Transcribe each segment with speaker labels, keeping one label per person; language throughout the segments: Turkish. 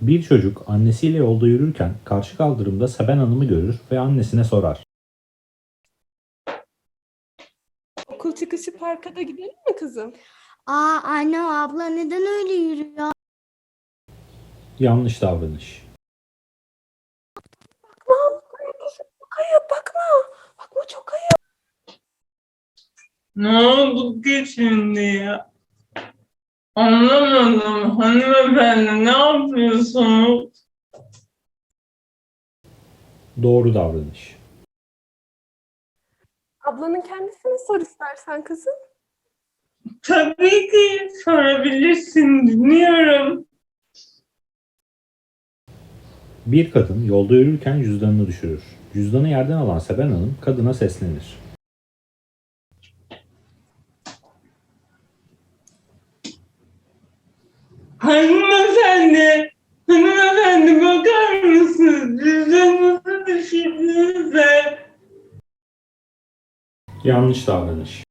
Speaker 1: Bir çocuk annesiyle yolda yürürken karşı kaldırımda Seben Hanım'ı görür ve annesine sorar.
Speaker 2: Okul çıkışı parka da gidelim mi kızım?
Speaker 3: Anne abla neden öyle yürüyor?
Speaker 1: Yanlış davranış.
Speaker 2: Çok ayıp bakma. Bakma çok ayıp.
Speaker 4: Ne oldu ki şimdi ya? Anlamadım hanımefendi, ne yapıyorsunuz?
Speaker 1: Doğru davranış.
Speaker 2: Ablanın kendisine sor istersen kızım.
Speaker 4: Tabii ki sorabilirsin, dinliyorum.
Speaker 1: Bir kadın yolda yürürken cüzdanını düşürür. Cüzdanı yerden alan Seben Hanım kadına seslenir.
Speaker 4: Hanımefendi, hanımefendi bakar mısınız? Cüzdanınızı düşürdünüz de.
Speaker 1: Yanlış davranış.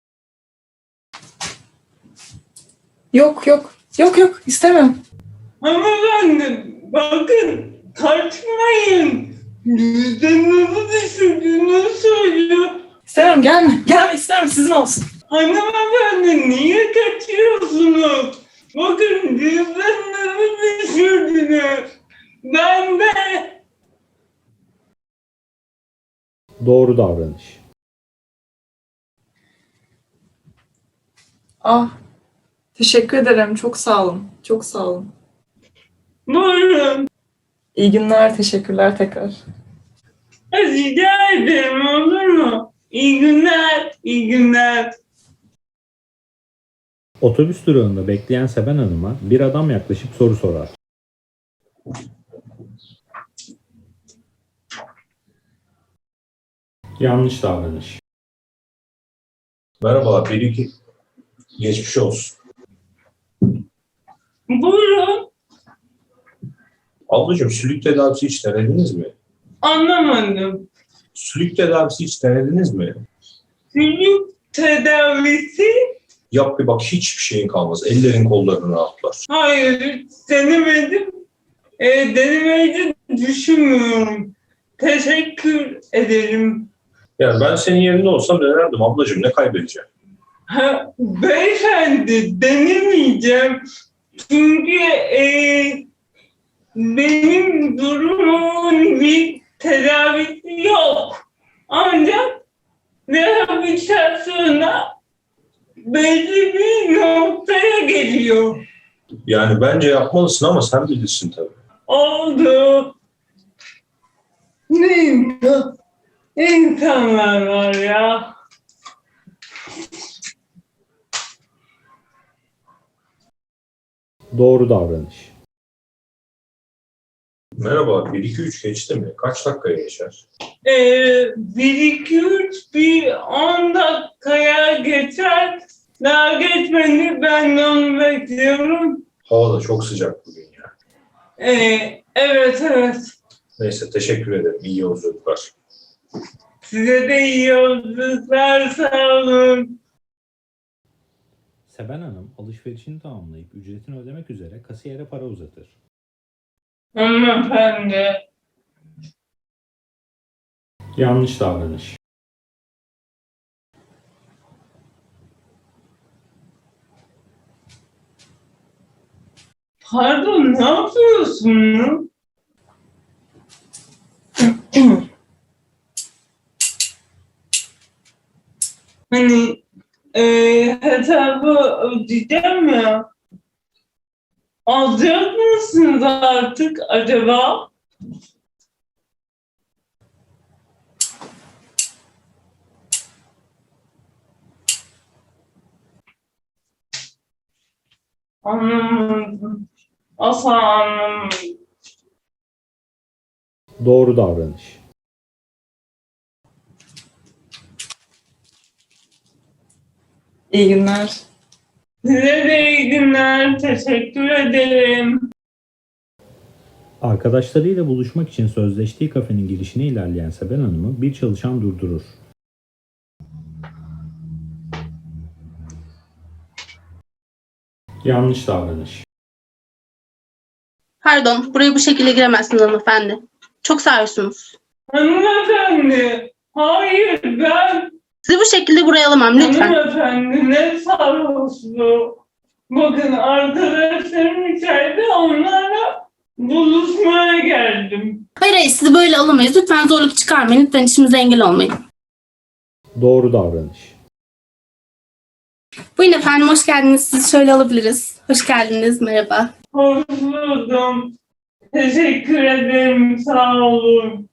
Speaker 5: Yok yok. Yok yok istemem.
Speaker 4: Hanımefendi, bakın, kaçmayın. Cüzdanınızı düşürdüğünü söylüyor.
Speaker 5: İstemem gelme. Gelme istemem sizin olsun.
Speaker 4: Hanımefendi, niye kaçıyorsunuz? Bakın, cüzdanınızı düşürdünüz. Ben de.
Speaker 1: Doğru davranış.
Speaker 5: Teşekkür ederim. Çok sağ olun. Çok sağ olun.
Speaker 4: Buyurun.
Speaker 5: İyi günler. Teşekkürler tekrar.
Speaker 4: Rica ederim, olur mu? İyi günler, iyi günler.
Speaker 1: Otobüs durağında bekleyen Seben Hanım'a bir adam yaklaşıp soru sorar. Yanlış davranış.
Speaker 6: Merhabalar, Melike. Geçmiş olsun.
Speaker 4: Buyurun.
Speaker 6: Ablacığım, sülük tedavisi hiç denediniz mi?
Speaker 4: Anlamadım.
Speaker 6: Sülük tedavisi hiç denediniz mi?
Speaker 4: Çocuk tedavisi?
Speaker 6: Yap bir bak, hiçbir şeyin kalmaz. Ellerin kolların rahatlar.
Speaker 4: Hayır, denemedim. Denemeyi de düşünmüyorum. Teşekkür ederim.
Speaker 6: Yani ben senin yerinde olsam denerdim ablacığım, ne kaybedeceğim?
Speaker 4: Beyefendi, denemeyeceğim. Çünkü benim durumumun bir tedavisi yok. Ancak rehabilitasyona belli bir noktaya geliyor.
Speaker 6: Yani bence yapmalısın ama sen bilirsin tabii.
Speaker 4: Oldu. Ne insanlar var ya.
Speaker 1: Doğru davranış.
Speaker 6: Merhaba, 1-2-3 geçti mi? Kaç dakikaya geçer?
Speaker 4: 1-2-3 bir 10 dakikaya geçer. Daha geçmedi, ben de onu bekliyorum.
Speaker 6: Hava da çok sıcak bugün ya.
Speaker 4: Evet evet.
Speaker 6: Neyse, teşekkür ederim. İyi yolculuklar.
Speaker 4: Size de iyi yolculuklar, sağ olun.
Speaker 1: Seben Hanım alışverişini tamamlayıp ücretini ödemek üzere kasiyere para uzatır.
Speaker 4: Hanımefendi.
Speaker 1: Yanlış davranış.
Speaker 4: Pardon, ne yapıyorsunuz? Hani hesabı ödeyeceğim ya. Alacak mısınız artık acaba? Anlamadım. Asla anlamadım.
Speaker 1: Doğru davranış.
Speaker 5: İyi günler.
Speaker 4: Size de iyi günler. Teşekkür ederim.
Speaker 1: Arkadaşlarıyla buluşmak için sözleştiği kafenin girişine ilerleyen Seben Hanım'ı bir çalışan durdurur. Yanlış davranış.
Speaker 7: Pardon, buraya bu şekilde giremezsiniz hanımefendi. Çok sarhoşsunuz.
Speaker 4: Hanımefendi, hayır ben
Speaker 7: Sizi bu şekilde buraya alamam lütfen.
Speaker 4: hanımefendi ne sarhoşluğu. Bakın arkadaşlarım içeride onlarla buluşmaya geldim.
Speaker 7: Hayır hayır, sizi böyle alamayız. Lütfen zorluk çıkarmayın. Lütfen işimize engel olmayın.
Speaker 1: Doğru davranış.
Speaker 7: Buyurun efendim, hoş geldiniz. Sizi şöyle alabiliriz. Hoş geldiniz, merhaba.
Speaker 4: Hoş buldum. Teşekkür ederim, sağ olun.